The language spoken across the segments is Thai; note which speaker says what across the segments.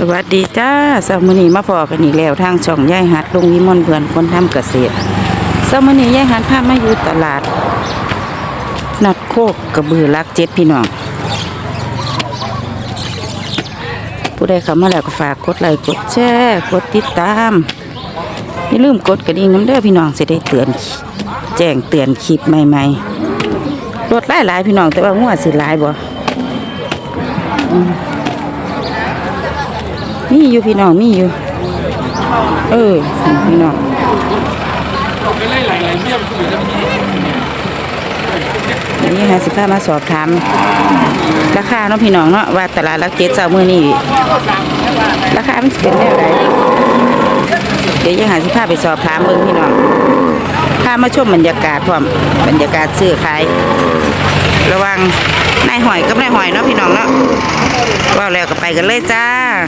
Speaker 1: วัสดีจ้าสามมื้อนี้มาพอกันอีกแล้วทางช่องยายหัดลุงวิมลเพื่อนคนทำเกษตรสามมื้อนี้ยายหัดพามาอยู่ตลาดนัดโคกกระบือลัก7พี่น้องผู้ใดเข้ามาแล้วก็ฝากกดไลค์กดแชร์กดติดตามอย่าลืมกดกระดิ่งน้ำเด้อพี่น้องจะได้เตือนแจ้งเตือนคลิปใหม่ๆรถหลายๆพี่น้องแต่ว่างัวสิหลายบ่มีอยู่พี่น้องมีอยู่พี่น้องนี่ค่ะสิพามาสอบถามราคาเนาะพี่น้องเนาะว่าตลาดลัก7เช้ามื้อนี้ราคามันเป็นแนวใดเดี๋ยวยังหาสิพาไปสอบถามเบิ่งพี่น้องพามาชมบรรยากาศพร้อมบรรยากาศซื้อขายระวังนายหอยกับนายหอยเนาะพี่น้องเนาะว่าแล้วก็ไปกันเลยจ้า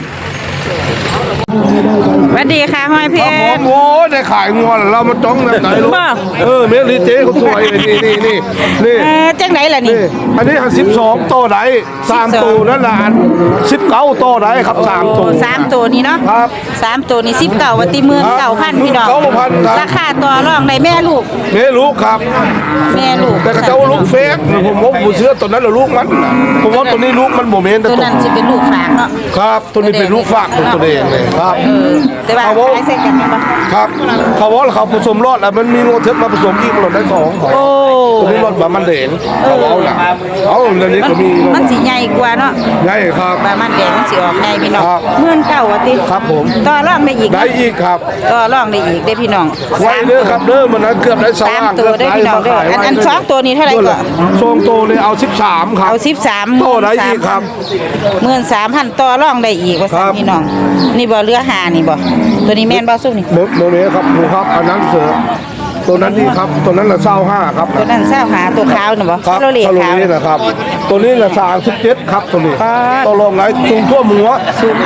Speaker 1: สวัสดีค่ะห้อยเพชร
Speaker 2: โอ้ได้ขายงัวเรามาจ้องแบบไหนลูกเมลิเจ๊เขาสวยนี่
Speaker 1: จังไหนล่ะนี่
Speaker 2: อันนี้12โตไหน3ตัวนั่นแหละ19โตไหนครับ3ตัว
Speaker 1: 3ตัวนี้เนาะ
Speaker 2: ครับ
Speaker 1: 3ตัวนี้19วันตี19,000พี่น้องราคาต่อรองได้แม่ลูก
Speaker 2: ครับ
Speaker 1: แม่ลูก
Speaker 2: แต่เจ้าลูกเฟกผมเชื่อตัวนั้นแหละลูกมันผมว่าตัวนี้ลูกมันโมเมนต์
Speaker 1: ตัวนั้นจะเป็นลูกฝากเนาะ
Speaker 2: ครับตัวนี้เป็นลูกฝากตัวเองเลยครับ
Speaker 1: แต่ว่าขายเสร็จกันมั้ย
Speaker 2: ครับเขาว่าเขาผสมรอดแล้วมันมีงูเทปมาผสมอีกมันได้ของตัวนี้รอดแบบมันเด่นเขาเอาหนักเอาเรื่องนี้ก็มี
Speaker 1: มันสีใหญ่กว่าเนาะ
Speaker 2: ใหญ่ครับ
Speaker 1: แบบมันเด่นมันสีออกใหญ่พี่น้อง19,000ว่าติ
Speaker 2: ครับผม
Speaker 1: ต่อรองได้อีก
Speaker 2: ครับ
Speaker 1: ต่อรองได้อีกได้พี่น้อง
Speaker 2: ไว้เด้อครับเด้อมันเกือบได้
Speaker 1: 3ตัวได้พี่น้องเด้ออัน2ตัวนี้เท่าไหร่ก็
Speaker 2: 2ตัวเลยเอา13ครับ
Speaker 1: เอา13
Speaker 2: โตได้อีกครับ
Speaker 1: 13,000ต่อรองได้อีกว่าซั่นพี่น้องนี่บ่เรือหานี่บ่ตัวนี้แม่นบ่ซุ่มนี่
Speaker 2: โมเมครับหมูครับอันนั้นเสือตัวนั้นดีครับตัวนั้นละ25ครับ
Speaker 1: ตัวนั้น25ตัวขาวน่ะบ่
Speaker 2: ซาโลเลขาวนะครับตัวนี้ละ37ครับตัวนี้ตัวรองไหนสูงทั่วหัว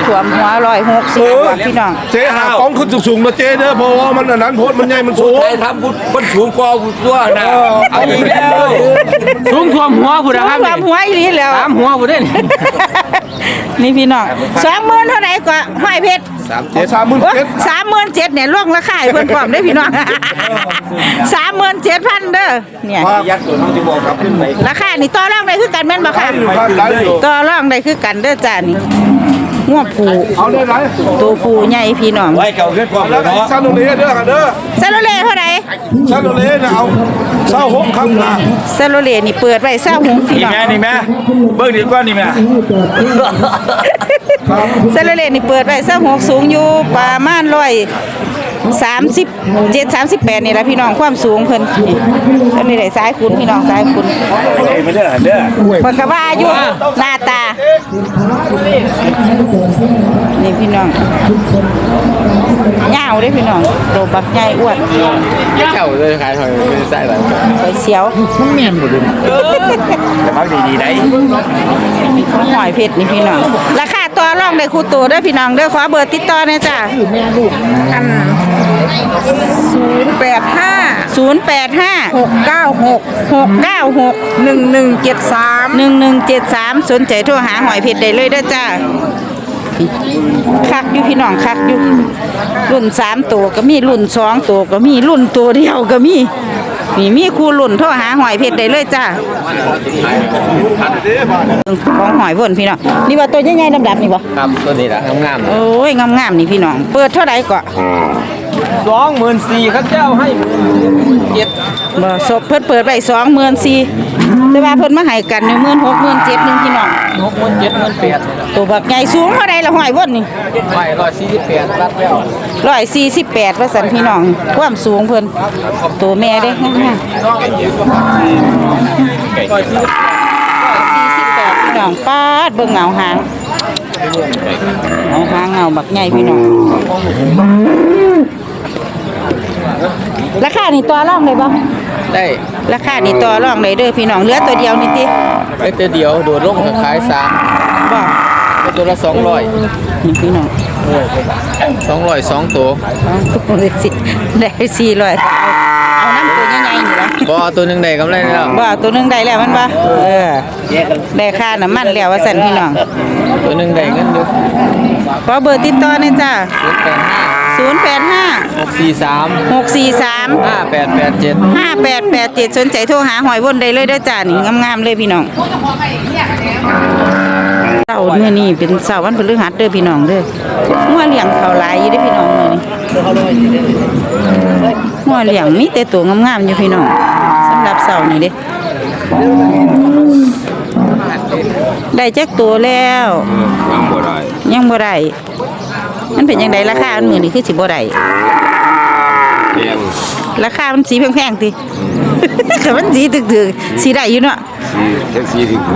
Speaker 1: 160พี่น้อง
Speaker 2: เจ๊หาของขึ้นสูงๆนะเจ๊เด้อเพราะว่ามันอันนั้นโพดมันใหญ่มันสูง
Speaker 3: ใครทำมันสูงกว่าตัวนะเอาอีกแล้วสูงท่วมหัวผู้ใดครับ
Speaker 1: ท่วมหัวอีหลีแล้ว
Speaker 3: ตามหัวผู้ใด
Speaker 1: นี่พี่น้อง20,000เท่าไหร่ก็ห้อยเพชร
Speaker 2: 37,000
Speaker 1: เนี่ยล่วงราคาให้เพิ่นพร้อมได้พี่น้อง37,000เด้อเนี่ย
Speaker 3: ยักษ์ตัวน้องที่บอกครับขึ้นไป
Speaker 1: ราคานี่ต่อรองได้คือกันแม่นบ่ค่ะต่อรองได้คือกันเด้อจ้านี่งัวผู
Speaker 2: เอาได้ไหน
Speaker 1: ตัวผูใหญ่พี่น้อง
Speaker 3: ไว้เก่าขึ้นความเลยเนาะ
Speaker 2: ซาโลเลเด้อค่ะเด้อ
Speaker 1: ซาโลเลเท่าไหร่
Speaker 2: ซาโลเลน่ะเอา26ครับนะ
Speaker 1: ซาโลเลนี่เปิดไว้26พี่น้อง
Speaker 3: นี่แม่เบิ่งดีกว่านี่แม่
Speaker 1: ซาโลเลนี่เปิดไว้26สูงอยู่ประมาณ37-38นี่แหละพี่น้องความสูงเพิ่นอันนี้ได้สายคุณพี่น้องสายคุณ
Speaker 3: ไม่เด้อเด้อ
Speaker 1: เพิ่นก็ว่าอยู่หน้าตานี่พี่น้องยาวเด้พี่น้องโตบักใหญ่อ้วน
Speaker 3: เจ้าเลยขายหอยไม่ใช่หรอ
Speaker 1: ไปเสียว
Speaker 3: มันแม่นบ่ดิแต่มักดีๆได้
Speaker 1: หอยเพชรนี่พี่น้องราคาต่อรองได้คู่โตเด้อพี่น้องเด้อขอเบอร์ติดต่อหน่อยจ้ะ085-696-1173 สนใจโทรหาหอยเพชรได้เลยเด้อจ้าคักอยู่พี่น้องคักอยู่รุ่น3ตัวก็มีรุ่น2ตัวก็มีรุ่นตัวเดียวก็มีคู่รุ่นโทรหาหอยเพชรได้เลยจ้าของหอยเพิ่นพี่น้องนี่ว่าตัวใหญ่ๆดำๆนี่บ่
Speaker 3: ครับตัวนี้ล่ะงาม
Speaker 1: ๆโอ้ยงามๆนี่พี่น้องเปิดเท่าใดก็
Speaker 3: 24,000ครับเจ้าให้17,000
Speaker 1: บ่ศพเพิ่นเปิดไว้24,000แต่ว่าเพิ่นมาให้กัน16,000 17,000นึงพี่น้อง
Speaker 3: 67,000 18,000
Speaker 1: ตัวบักใหญ่สูงเท่าใดล่ะหอยเพิ่นนี่
Speaker 3: 148รัดแล้ว
Speaker 1: 148ว่าซั่นพี่น้องความสูงเพิ่นตัวแม่เด้งาม48พี่น้องปาดเบิ่งเงาหางเงาบักใหญ่พี่น้องราคานี่ต่อรองได้บ่
Speaker 3: ได้
Speaker 1: ราคานี่ต่อรองได้เด้อพี่น้องเหลือตัวเดียวนี่ติ
Speaker 3: ได้ตัวเดียวโดดลงก็ขาย3
Speaker 1: บ่
Speaker 3: ตัวละ200
Speaker 1: นี่พี่น้อง
Speaker 3: 200 2ตัว
Speaker 1: ได้400เอาน้ำตัวใหญ่ๆนี่ล่ะ
Speaker 3: บ่ตัวนึงได้กำไรแล้ว
Speaker 1: บ่ตัวนึงได้แล้วมันบ่ได้ค่าน้ำมันแล้วว่าซั่นพี่น้อง
Speaker 3: ตัวนึงได้เงินอยู่
Speaker 1: ขอเบอร์ติดต่อหน่อยจ้า 085
Speaker 3: 643
Speaker 1: 643
Speaker 3: 5887
Speaker 1: 5887สนใจโทรหาหอยวนได้เลยเด้อจ้านี่งามๆเลยพี่น้องเสาร์มื้อนี้เป็นเสาร์วันพฤหัสเด้อพี่น้องเด้องัวเลี้ยงเขาหลายอยู่เด้อพี่น้องมื้อนี้งัวเลี้ยงมีแต่ตัวงามๆอยู่พี่น้องสำหรับเสาร์นี้เด้ได้จักตัวแล้วยังบ่ได้มันเป็นยังไงราคาอันมื้อนี้คือสิบ่ได้ราคามันสีแพงๆติแต่มันสีตึกๆสีได้อยู่เนาะ
Speaker 2: แท็กซี่ที่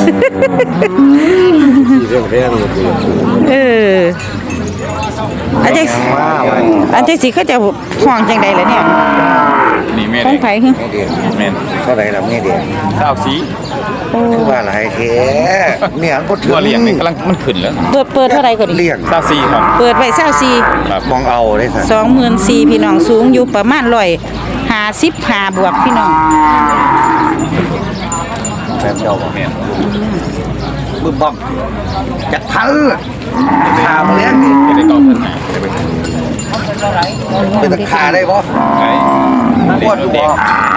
Speaker 2: แพงๆ
Speaker 1: เอออันจังสิเขาจะห้องจังใดล่ะเนี่ย
Speaker 3: นี่แม่
Speaker 1: ของไผคือ
Speaker 3: แม่น
Speaker 4: เท่าไหร่ละเมียเดียว
Speaker 3: 24
Speaker 4: คือว่าหลายแท้เนี่ยก็ถึง
Speaker 3: ตัวเลี้ยงนี่กำลังมันขึ้นแล้ว
Speaker 1: เปิดเท่าไหร่ก็ดี
Speaker 4: เลี้ยง
Speaker 3: 24ครับ
Speaker 1: เปิดไว้24
Speaker 3: ครับ
Speaker 4: มองเอาได้สัน
Speaker 1: 24,000พี่น้องสูงอยู่ประมาณ155บวกพี่น้อง
Speaker 4: แบบเจ้าบ่
Speaker 3: แม่น
Speaker 4: บึ้มบ้อมจักพันขามาเลี้ยงนี่
Speaker 3: จะได้ต่อเพิ่นให้ได้ไป
Speaker 4: เป็นตะขาได้บ่
Speaker 3: ไง
Speaker 4: ปวดอยู่บ่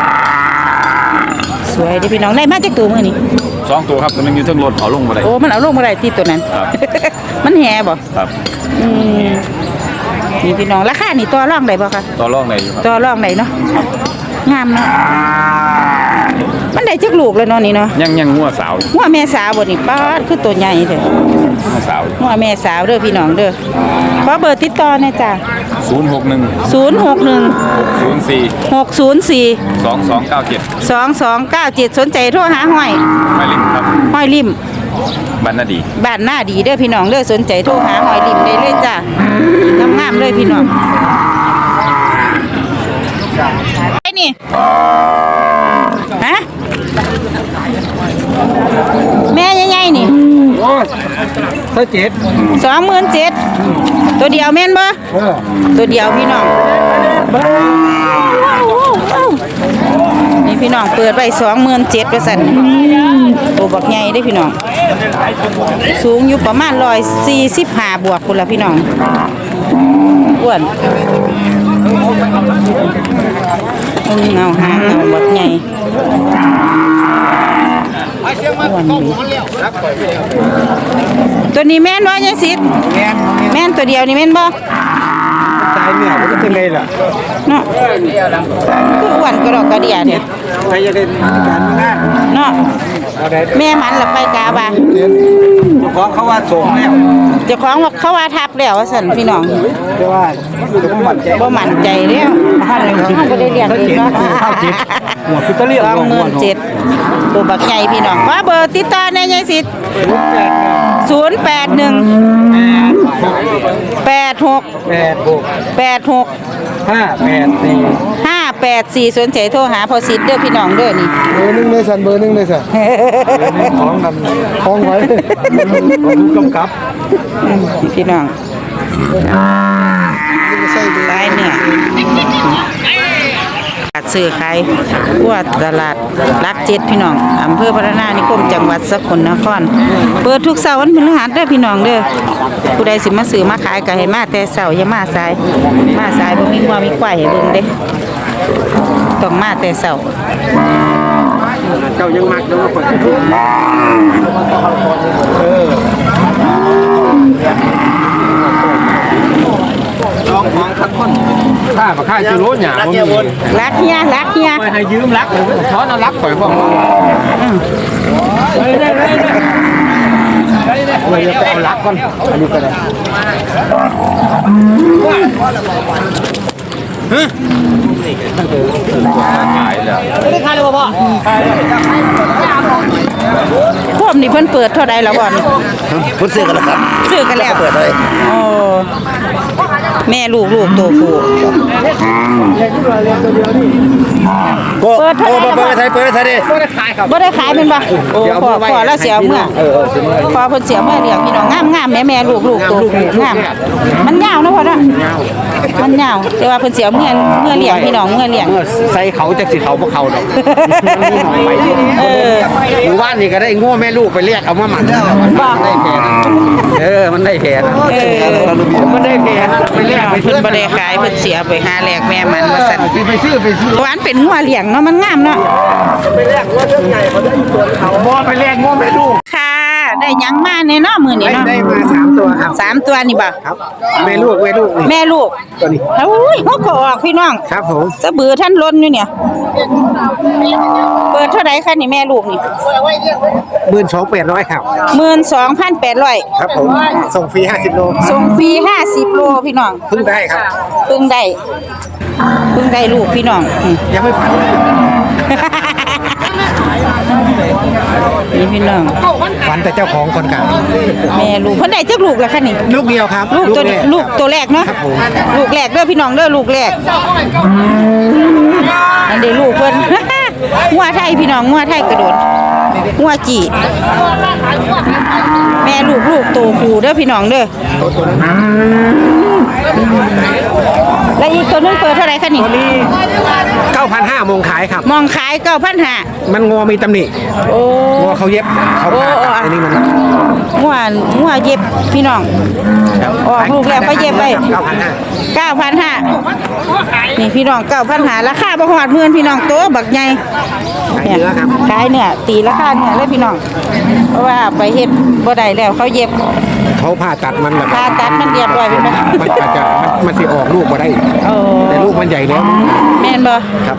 Speaker 1: สวยเด้อพี่น้องได้มาจากตัวมื้อนี้
Speaker 3: 2ตัวครับตัวนึงอยู่เทิงรถเอาลงบ่ได้
Speaker 1: โอ้มันเอาลงบ่ได้ที่ตัวนั้น
Speaker 3: ครับ
Speaker 1: มันแห่บ่
Speaker 3: ครับ
Speaker 1: อืมนี่พี่น้องราคานี่ต่อรองได้บ่คะ
Speaker 3: ต่อรองได้อยู่ครับ
Speaker 1: ต่อรองได้เนาะงามเนาะมันได้จักลูกแล้วเนาะนี่เนาะ
Speaker 3: ยังงัวสาว
Speaker 1: หัวแม่สาวบ่นี่ป๊าดคือตัวใหญ่เด้อ
Speaker 3: งัวสาว
Speaker 1: หัวแม่สาวเด้อพี่น้องเด้อขอเบอร์ติดต่อหน่อยจ้ะ
Speaker 3: 061
Speaker 1: 061
Speaker 3: 604
Speaker 1: 604
Speaker 3: 2297
Speaker 1: 2297สนใจโทรหาห้อย
Speaker 3: หมายเลขครับ
Speaker 1: ห้อยริม
Speaker 3: บ้านนาดี
Speaker 1: บ้านหน้าดีเด้อพี่น้องเด้อสนใจโทรหาห้อยริมได้เลยจ้ะงามๆเลยพี่น้องไอ้นี่ฮะแม่ใหญ่ๆนี่ 27,000ตัวเดียวแม่นบ่ตัวเดียวพี่น้องนี่พี่น้องเปิดไว้27,000ว่าซั่นตัวบักใหญ่เด้อพี่น้องสูงอยู่ประมาณ145บวกพุ่นล่ะพี่น้องอ้วนเงาหางเงาบักใหญ่ตัวนี้แม่นบ่ยายสิทธิ์แม่นตัวเดียวนี่แม่นบ่
Speaker 4: ตายเนี่ยมันก็เป็นไงล่ะ
Speaker 1: เนาะคืออ้วนกระดอกกระเดียเนี่ย
Speaker 4: ใครจะได้การงาน
Speaker 1: เนาะแม่มันละไปกาบ่า
Speaker 4: เจ้าของเขาว่าส่งแล้ว
Speaker 1: เจ้าของว่าเขาว่าทับแล้วว่าซั่นพี่น้อง
Speaker 4: แต่ว่าจะบ่มั่นใจ
Speaker 1: บ่มั่นใจแล้วเฮาบ่ได้เลี้ยงเองเนาะ
Speaker 4: หัวคือตะเลียง
Speaker 1: 27,000ตัวบักใหญ่พี่น้องว่าเบอร์ติดต่อในยายสิทธิ์081 86 86 584สนใจโทรหาพอสิทธิ์เด้อพี่น้องเด้อนี่
Speaker 2: เบอร์หนึ่งเลยสันเบอร์หนึ่งเลยสันของกันของไว้ของผู้กำกับ
Speaker 1: พี่น้องตายเนี่ยตลาดซื้อขายทั่วตลาดรัก7พี่น้องอำเภอพัฒนานิคมจังหวัดสกลนครเปิดทุกเสาร์วันพฤหัสเด้อพี่น้องเด้อผู้ใดสิมาซื้อมาขายก็ให้มาแต่เช้าอย่ามาสายบ่มีงัวมีควายให้เบิ่งเด้ต้องมาแต่เช้า
Speaker 4: เจ้ายังมักเด้อคนลองของทักคน
Speaker 3: ค่าบ่ค่าจะรู้หยังบ่มี
Speaker 1: รักเฮีย
Speaker 3: ไปให้ยืมรักถอนเอารักข่อยพร้อม
Speaker 4: เลยจะเอาลักก่อนอันนี้ก็ได้
Speaker 3: ขายแล้ว
Speaker 1: พวกนี่เพิ่นเปิดเท่าใดแล้วบ่นี่
Speaker 4: พุ่นซื้อกันแล้วครับ
Speaker 1: ซื้อกันแล้ว
Speaker 4: เปิดเลย
Speaker 1: โอ้แม่ลูกตัวผู้ เปิดเท่าไหร่ล่ะ
Speaker 4: เปิดไทยดิ
Speaker 1: บ่ได้ขายเป็นบ่โอ้ขอแล้วเสียเมื่อพอเพิ่นเสียเมื่อเลี้ยงพี่น้องงามแม่ลูกตัวผู้งามมันยาวเนาะพ่อเนาะมันยาวแต่ว่าเพิ่นเสียเมื่อเลี้ยงพี่น้องเมื่อเลี้ยง
Speaker 4: ใส่เขาจากสิเขาพวกเขาดอก
Speaker 1: เออ
Speaker 4: หมู่บ้าน
Speaker 3: นี่ก็ได้งัวแม่ลูกไปเรียกเอามาหมันแล้วมันได้แผลนะมันได้แผลนะมันได้แผลนะไปเรียกไป
Speaker 1: เพิ่นบ่ได้ขายเพิ่นเสียไปหาแลกแม่มันว่าซั่น
Speaker 3: ไปซื้อ
Speaker 1: หวานเป็นงัวเลี้ยงเนาะมันงามเนาะ
Speaker 3: ไปเรียกงัวเรื่องใหญ่เขาได้อยู่ตัวเขาบ่ไปเรียกงัวแม่ลูก
Speaker 1: ค่ะได้หยังมาแน่เนาะมื้อนี้เนาะ
Speaker 3: ได้มา3ตัวครับ
Speaker 1: 3ตัวนี่บ่
Speaker 3: ครับแม่ลูกนี่
Speaker 1: แม่ลูก
Speaker 3: ตัวนี้
Speaker 1: โอ้ยเฮาก็ออกพี่น้อง
Speaker 3: ครับผม
Speaker 1: สะบือท่านล้นอยู่เนี่ย เปิดเท่าไหร่คะนี่แม่ลูกนี่
Speaker 3: 12,800ครับ
Speaker 1: 12,800
Speaker 3: ครับผมส่งฟรี50โล
Speaker 1: ส่งฟรี50โลพี่น้อง
Speaker 3: เพิ่งได้ครับ
Speaker 1: เพิ่งได้ลูกพี่น้องอืม
Speaker 3: ยังไม่ฝันเลย
Speaker 1: นี่พี่น้อง
Speaker 3: ฝันแต่เจ้าของคนเก่า
Speaker 1: แม่ลูกเพิ่นได้จักลูกแล้วคะนี่
Speaker 3: ลูกเดียวครับ
Speaker 1: ลูกตัว
Speaker 3: แร
Speaker 1: ลูกตัวแรกเนาะ
Speaker 3: ครับผม
Speaker 1: ลูกแรกเด้อพี่น้องเด้อลูกแรกอันเด้ลูกเพิ่น งัวไทยพี่น้องงัวไทยกระโดดงัวจีแม่ลูกโตคู่เด้อพี่น้องเด้อแล้วอีกตัวนึงเปิดเท่าไหร่คะนี่
Speaker 3: 9,500มงขายครับ
Speaker 1: มองขาย9,500
Speaker 3: มันงอมีตำหนิ
Speaker 1: โอ้
Speaker 3: งอเขาเย็บเขาผ่าตัดอันนี้มัน
Speaker 1: งัวเย็บพี่น้องออกลูกแล้วก็เย็บไว้ 9,500นี่พี่น้อง9,500ราคาบ่ฮอด10,000พี่น้องโตบักใหญ่เนี่ยขายเนี่ยตีราคาเนี่ยเลยพี่น้องเพราะว่าไปเฮ็ดบ่ได้แล้วเขาเย็บ
Speaker 3: เขาผ่าตัดมันแบบ
Speaker 1: ผ่าตัดมันเรียบร้อยเป็นไหม
Speaker 3: มันอาจจะมันสิออกลูกมาได้
Speaker 1: โอ้
Speaker 3: แต่ลูกมันใหญ่แล้ว
Speaker 1: แม่นบ่
Speaker 3: ครับ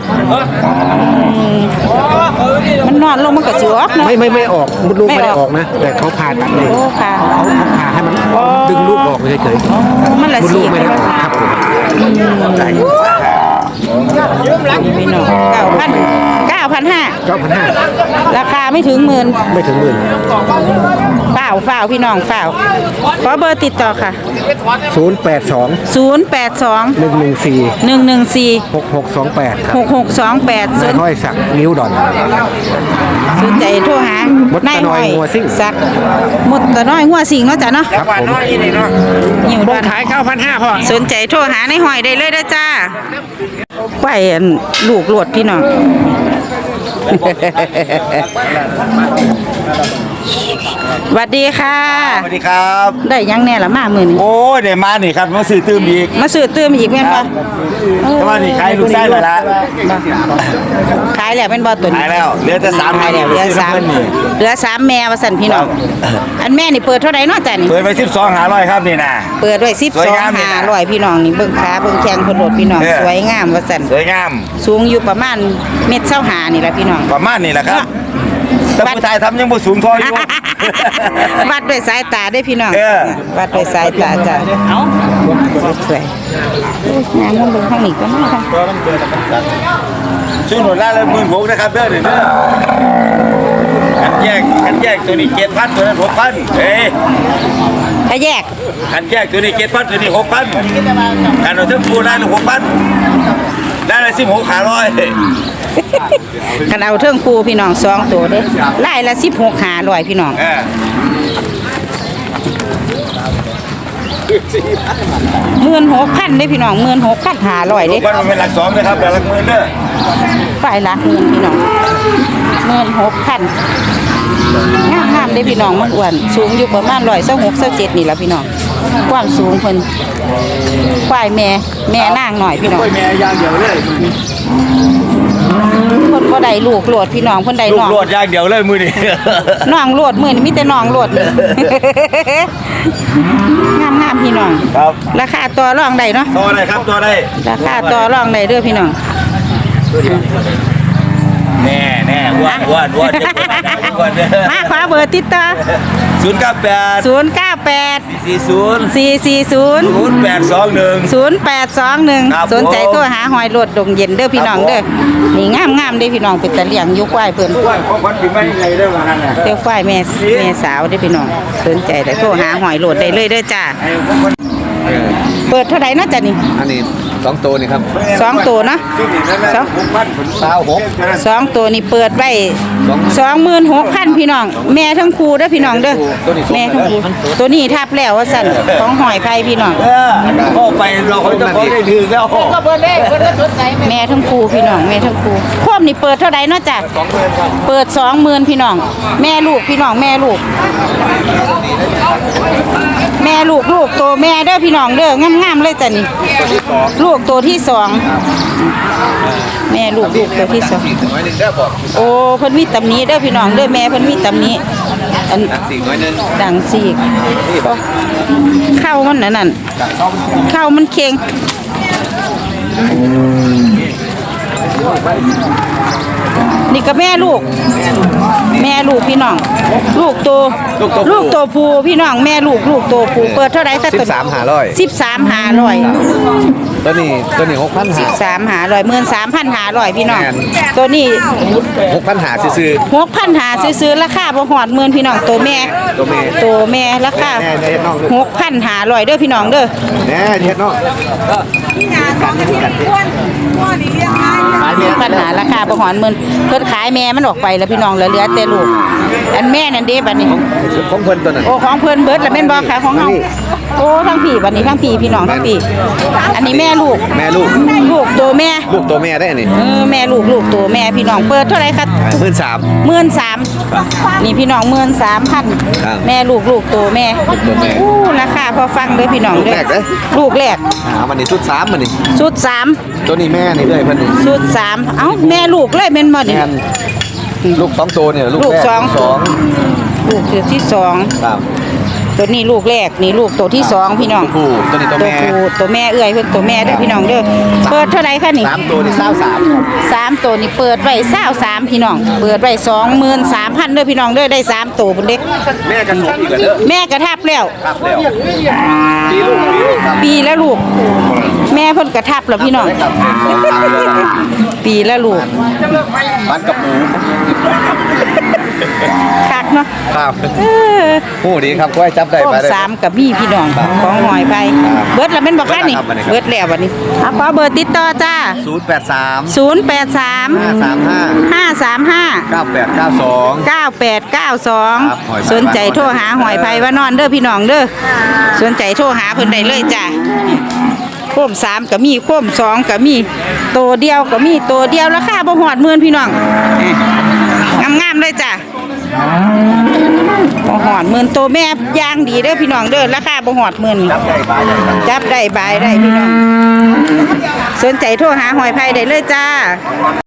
Speaker 1: มันนอนลงมันก็สิออกเนาะ
Speaker 3: ไม่ออกมดลูก
Speaker 1: ไม่
Speaker 3: ไม่ได้
Speaker 1: ออก
Speaker 3: ออกนะ แต่เขาผ่าตัดเลย
Speaker 1: โอ้ค่ะ
Speaker 3: เขาผ่าให้มันดึงลูกออกเฉย
Speaker 1: มันละ
Speaker 3: ๆมด
Speaker 1: สี
Speaker 3: ลูกไม่ได้ออกครับผม
Speaker 1: พี่น้อง9,500
Speaker 3: 9,500
Speaker 1: ราคาไม่ถึงหมื่น
Speaker 3: ไม่ถึงหมื่น
Speaker 1: ฝ้าวพี่น้องฝ้าวขอเบอร์ติดต่อค่ะ
Speaker 3: 082
Speaker 1: 082
Speaker 3: 114
Speaker 1: 114
Speaker 3: 6628ครับ
Speaker 1: 6628
Speaker 3: นายห้อยศักดิ์นิ้วดอน
Speaker 1: สนใจโทรหาม
Speaker 3: ดตะน้อยงัวซิ่ง
Speaker 1: สักหมดตะน้อยหัวสิงเนาะจ้ะเนาะ
Speaker 3: ครับผม
Speaker 1: หิว
Speaker 3: บ
Speaker 1: ด้
Speaker 3: ง
Speaker 1: วย
Speaker 3: ขาย 9,500พ่อ
Speaker 1: สนใจโทรหาในหอยได้เลยเด้อจ้าไปอันลูกโลดพี่น้อง สวัสดีค่ะ
Speaker 4: สวัสดีครับ
Speaker 1: ได้ยังแน่ละมามื้อนี้
Speaker 4: โอ้ยเดี๋ยวมานี่ครับมาซื้อตื้มอีก
Speaker 1: มาซื้อเติมอีกแม่นบ่
Speaker 4: แต่ว่านี่ขายลูกไส้เลยละ
Speaker 1: ขายแล้วแม่นบ่ตัวนี้
Speaker 4: ขายแล้วเหลือแต่3
Speaker 1: ขายแล้วเหลือ3แม่ว่าซั่นพี่น้องอันแม่นี่เปิดเท่าใดเนาะจ้ะนี่
Speaker 4: เปิดไป12,500ครับนี่นะ
Speaker 1: เปิดไว้
Speaker 4: สวยงามเลยนะ
Speaker 1: 12,500พี่น้องนี่เบิ่งขาเบิ่งแข้งเพิ่นโลดพี่น้อง
Speaker 4: เออ
Speaker 1: สวยงามว่าซั่น
Speaker 4: สวยงาม
Speaker 1: สูงอยู่ประมาณเม็ด25นี่แหละพี่น้อง
Speaker 4: ประมาณนี้แหละครับแต่ผู้ชายทำยังบ่สูงพออยู่
Speaker 1: วัดด้วยสายตาได้พี่น้อง
Speaker 4: เออ
Speaker 1: วัดด้วยสายตาจ้ะเอ้าสวยๆงานมันเบิ่งข้างนี้ก็มาค่ะ
Speaker 4: ซื้อหนุนละเลย16,000นะครับเด้อนี่เด้อกันแยกตัวนี้7,000ตัวนั้น6,000เอ้ย
Speaker 1: ถ้าแยก
Speaker 4: กันแยกตัวนี้7,000ตัวนี้6,000กันเอาทั้งคู่ได้ละ6,000ได้ละ16,500
Speaker 1: คันเอาเทิงปูพี่น้อง2ตัวเด้ไล่ละ16,500พี่น้อง 16,000เด้พี่น้อง16,500เด้
Speaker 4: มันเป็นหลัก2นะครับหลักหมื่นเด้อ
Speaker 1: ฝ่ายละหมื่นพี่น้อง16,000งามๆเด้พี่น้องมันอ้วนสูงอยู่ประมาณ126-127นี่ล่ะพี่น้องความสูงเพิ่นฝ่ายแม่นางหน่อยพี่น้อง
Speaker 4: แม่อย่างเดียวเลย
Speaker 1: เพิ่นบ่ได้ลูกโลดพี่น้องเพิ่นได้
Speaker 4: ลูก
Speaker 1: น้อง
Speaker 4: โลดอย่างเดียวเลยมือนี่
Speaker 1: น้องโลดมื้อนี้มีแต่น้องโลดนี่ งามๆพี่น้อง
Speaker 4: ครับ
Speaker 1: ราคาต่อรองได้เนาะ
Speaker 4: ตัวได้ครับตัวได้
Speaker 1: ราคาต่อรองได้เด้อพี่น้อง
Speaker 4: แน่อ้วนอ้วนเด้อ
Speaker 1: มาขอเบอร์ติดต่อ
Speaker 4: 098
Speaker 1: 098
Speaker 4: 40
Speaker 1: 440
Speaker 4: 0821 ครับ
Speaker 1: 0821สนใจโทรหาหอยโลดดงเย็นเด้อพี่น้องเด้อนี่งามๆเด้อพี่น้องเป็นตะเลียงอยู่ควายเพิ่น
Speaker 4: อ้วนของคนปีใหม่ไงได้ว่างั้นน่ะ
Speaker 1: เด้อควายแม่สาวเด้อพี่น้องสนใจได้โทรหาหอยโลดได้เลยเด้อจ้าเปิดเท่าไหร่เนาะจ้ะนี่
Speaker 3: อันนี้ 2ตัวนี่ครับ
Speaker 1: 2ตัวเนาะ
Speaker 4: ที่นี่นั่นแหละ
Speaker 1: สอง
Speaker 3: 26
Speaker 1: 2ตัวนี่เปิดไว้26,000พี่น้องแม่ทั้งคู่เด้อพี่น้องเด้อแม่ทั้งคู่ตัวนี้ทับแล้วว่าสั่นของหอยไผ่พี่น้อง
Speaker 4: ก็ไปเราเขาจะพอได้ถือแล้ว
Speaker 1: แม่ทั้งคู่พี่น้องแม่ทั้งคู่พวกนี่เปิดเท่าใดเนาะจ้ะเปิด20,000พี่น้องแม่ลูกพี่น้องแม่ลูกลูกตัวแม่เด้อพี่น้องเด้องามๆเลยจ้ะนี่ลูกตัวที่สองแม่ลูกตัวที่สองโอ้เพิ่นมีตำหนิเด้อพี่น้องเด้อแม่เพิ่นมีตำหนิอันดังสีกเข้ามันนั่นเข้ามันเค็งนี่ก็แม่ลูกพี่น้องลูกตัวผู้พี่น้องแม่ลูกตัวผู้เปิดเท่าไหร่แต่ตัว13,500
Speaker 3: ตัวนี้6,500
Speaker 1: 13,500 13,500พี่น้องตัวนี้
Speaker 3: 6,500ซื่อ
Speaker 1: 6,500ซื้อราคาบ่ฮอด10,000พี่น้องตัวแม่ราคา6,500เด้อพี่น้องเด้อ
Speaker 3: ๆแน่เฮ็ดเนาะ
Speaker 1: ปัญหาราคาบ่ฮอด10,000เพิ่นขายแม่มันออกไปแล้วพี่น้องเหลือแต่ลูกอันแม่นั่นเด้บัดนี้
Speaker 3: ของเพิ่นตัวนั้น
Speaker 1: โอ้ของเพิ่นเบิดแล้วแม่นบ่คะของเฮาโอ้ทั้งพี่บัดนี้ทั้งพี่พี่น้องทั้งพี่อันนี้แม่ลูกตัวแม่
Speaker 3: ได้อันนี้
Speaker 1: แม่ลูกตัวแม่พี่น้องเปิดเท่าไหร่คะ 13,000นี่พี่น้อง 13,000แม่ลูกตัวแม่อู้ราคาพอฟังเด้อพี่น้องเด้อลูกแรก
Speaker 3: มันนี่ชุด3มันนี่
Speaker 1: ชุด3
Speaker 3: ตัวนี้แม่นี่เอ้ยเพิ่นนี่
Speaker 1: ชุด3เอ้าแม่ลูกเลยแม่นบ่นี่
Speaker 3: แม่นลูก2ตัวเนี่ยลูกแรก
Speaker 1: ลูกตัวที่2
Speaker 3: ครับ
Speaker 1: ตัวนี้ลูกแรกนี่ลูกตัวที่2พี่น้อง
Speaker 3: ผู้ตัวนี้ตัวแม่
Speaker 1: ตัวแม่เอื้อยเพิ่นตัวแม่เด้อพี่น้องเด้อเปิดเท่าไหร่คะนี่
Speaker 3: 3ตัวนี่23
Speaker 1: 3ตัวนี่เปิดไว้23พี่น้องเปิดไว้23,000เด้อพี่น้องเด้อได้3ตัวพุ่นเด้
Speaker 3: แม่กันหมดอีกแล้วเด้อ
Speaker 1: แม่กระทับแล้ว
Speaker 3: ครับแล้วครับ
Speaker 1: ปีแล้วลูก แม่เพิ่นกระทับแล้วพี่น้องปีแล้วลูก
Speaker 3: บ้านกับหมู
Speaker 1: คักเนาะ
Speaker 3: ครับ
Speaker 1: เออ
Speaker 3: ผู้ดีครับก็ให้จับได้
Speaker 1: โค้
Speaker 3: ไป
Speaker 1: ง
Speaker 3: ได้
Speaker 1: 3กับมีพี่น้องของหอยไปเบิดแล้วแม่นบ่คะนี่เบิดแล้วบัดนี้เอาขอเบอร์ติดต่อจ้า
Speaker 3: 083
Speaker 1: 083 535
Speaker 3: 9892
Speaker 1: 9892 สนใจโทรหาหอยไผ่ว่านอนเด้อพี่น้องเด้อสนใจโทรหาเพิ่นได้เลยจ้ะโค้ม3ก็มีโค้ม2ก็มีตัวเดียวก็มีตัวเดียวราคาบ่ฮอด10,000พี่น้องงามๆเลยจ้ะบ่ฮอด10,000ตัวแม่ย่างดีเด้อพี่น้องเด้อราคาบ่ฮอด10,000จับได้บายได้พี่น้องสนใจโทรหาหอยไผ่ได้เลยจ้า